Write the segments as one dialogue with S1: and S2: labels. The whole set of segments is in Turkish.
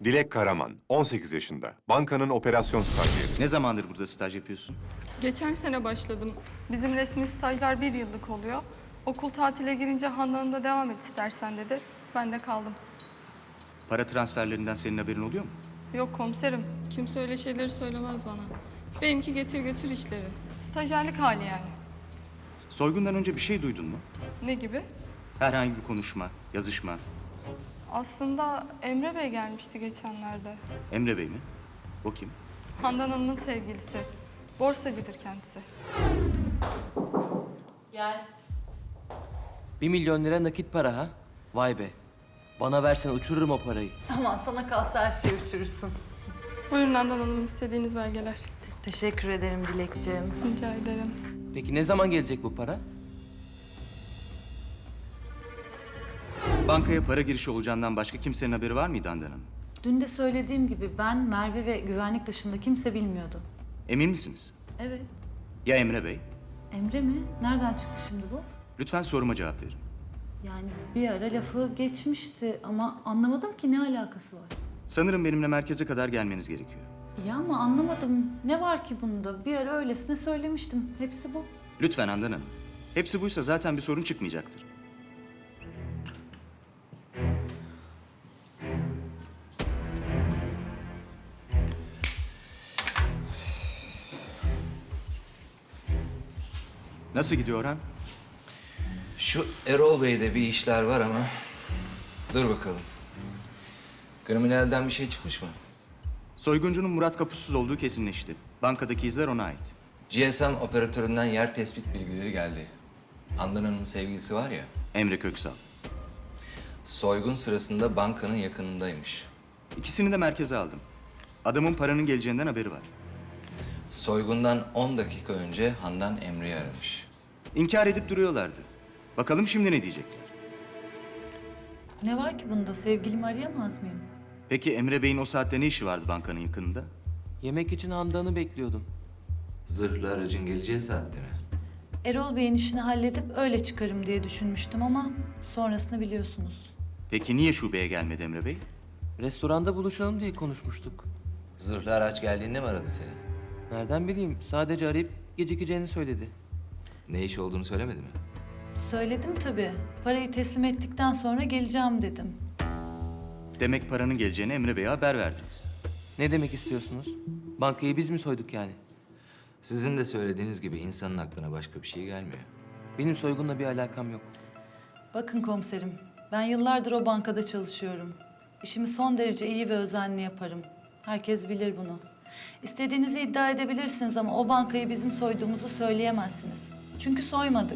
S1: Dilek Karaman, 18 yaşında. Bankanın operasyon stajyeri.
S2: Ne zamandır burada staj yapıyorsun?
S3: Geçen sene başladım. Bizim resmi stajlar 1 yıllık oluyor. Okul tatile girince Handan'ın da devam et istersen dedi. Ben de kaldım.
S2: Para transferlerinden senin haberin oluyor mu?
S3: Yok komiserim, kimse öyle şeyleri söylemez bana. Benimki getir götür işleri. Stajyerlik hali yani.
S2: Soygundan önce bir şey duydun mu?
S3: Ne gibi?
S2: Herhangi bir konuşma, yazışma.
S3: Aslında Emre Bey gelmişti geçenlerde.
S2: Emre Bey mi? O kim?
S3: Handan Hanım'ın sevgilisi. Borsacıdır kendisi.
S4: Gel.
S5: 1 milyon lira nakit para ha? Vay be. Bana versen uçururum o parayı.
S4: Aman sana kalsa her şeyi uçurursun.
S3: Buyurun Handan Hanım, istediğiniz belgeler.
S4: Teşekkür ederim Dilekciğim.
S3: Rica ederim.
S5: Peki ne zaman gelecek bu para?
S2: Bankaya para girişi olacağından başka kimsenin haberi var mıydı Handan Hanım?
S4: Dün de söylediğim gibi ben, Merve ve güvenlik dışında kimse bilmiyordu.
S2: Emin misiniz?
S4: Evet.
S2: Ya Emre Bey?
S4: Emre mi? Nereden çıktı şimdi bu?
S2: Lütfen soruma cevap verin.
S4: Yani bir ara lafı geçmişti ama anlamadım ki ne alakası var.
S2: Sanırım benimle merkeze kadar gelmeniz gerekiyor.
S4: Ya ama anlamadım. Ne var ki bunda? Bir ara öylesine söylemiştim. Hepsi bu.
S2: Lütfen Handan Hanım. Hepsi buysa zaten bir sorun çıkmayacaktır. Nasıl gidiyor Orhan?
S6: Şu Erol Bey'de bir işler var ama dur bakalım. Kriminalden bir şey çıkmış mı?
S2: Soyguncunun Murat Kapusuz olduğu kesinleşti. Bankadaki izler ona ait.
S6: GSM operatöründen yer tespit bilgileri geldi. Handan Hanım'ın sevgilisi var ya,
S2: Emre Köksal.
S6: soygun sırasında bankanın yakınındaymış.
S2: İkisini de merkeze aldım. Adamın paranın geleceğinden haberi var.
S6: Soygundan 10 dakika önce Handan Emre'yi aramış.
S2: İnkar edip duruyorlardı. Bakalım şimdi ne diyecekler.
S4: Ne var ki bunda? Sevgilimi arayamaz mıyım?
S2: Peki Emre Bey'in o saatte ne işi vardı bankanın yakınında?
S5: Yemek için Handan'ı bekliyordum.
S6: Zırhlı aracın geleceği saatte mi?
S4: Erol Bey'in işini halledip öyle çıkarım diye düşünmüştüm ama sonrasını biliyorsunuz.
S2: Peki niye şubeye gelmedi Emre Bey?
S5: Restoranda buluşalım diye konuşmuştuk.
S6: Zırhlı araç geldiğinde mi aradı seni?
S5: Nereden bileyim? Sadece arayıp gecikeceğini söyledi.
S6: Ne iş olduğunu söylemedi mi?
S4: Söyledim tabii. Parayı teslim ettikten sonra geleceğim dedim.
S2: Demek paranın geleceğini Emre Bey'e haber verdiniz.
S5: Ne demek istiyorsunuz? Bankayı biz mi soyduk yani?
S6: Sizin de söylediğiniz gibi insanın aklına başka bir şey gelmiyor.
S5: Benim soygunla bir alakam yok.
S4: Bakın komiserim, ben yıllardır o bankada çalışıyorum. İşimi son derece iyi ve özenli yaparım. Herkes bilir bunu. İstediğinizi iddia edebilirsiniz ama o bankayı bizim soyduğumuzu söyleyemezsiniz. Çünkü soymadık.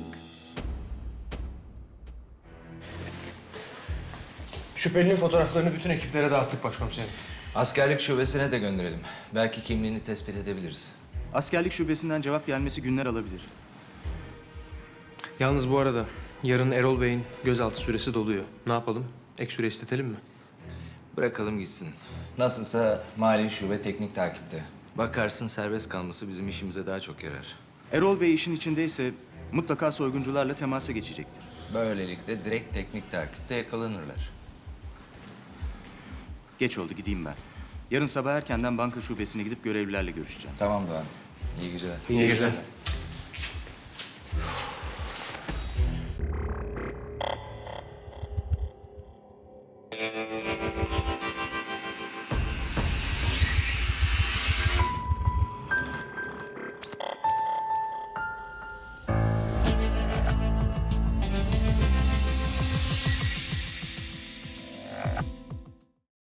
S7: Şüphelinin fotoğraflarını bütün ekiplere dağıttık başkomiserim.
S6: Askerlik şubesine de gönderelim. Belki kimliğini tespit edebiliriz.
S2: Askerlik şubesinden cevap gelmesi günler alabilir.
S7: Yalnız bu arada yarın Erol Bey'in gözaltı süresi doluyor. Ne yapalım? Ek süre istetelim mi?
S6: Bırakalım gitsin. Nasılsa mali şube teknik takipte. Bakarsın serbest kalması bizim işimize daha çok yarar.
S2: Erol Bey işin içindeyse mutlaka soyguncularla temasa geçecektir.
S6: Böylelikle direkt teknik takipte yakalanırlar.
S2: Geç oldu, gideyim ben. Yarın sabah erkenden banka şubesine gidip görevlilerle görüşeceğim.
S6: Tamam Doğan. İyi geceler.
S7: İyi geceler.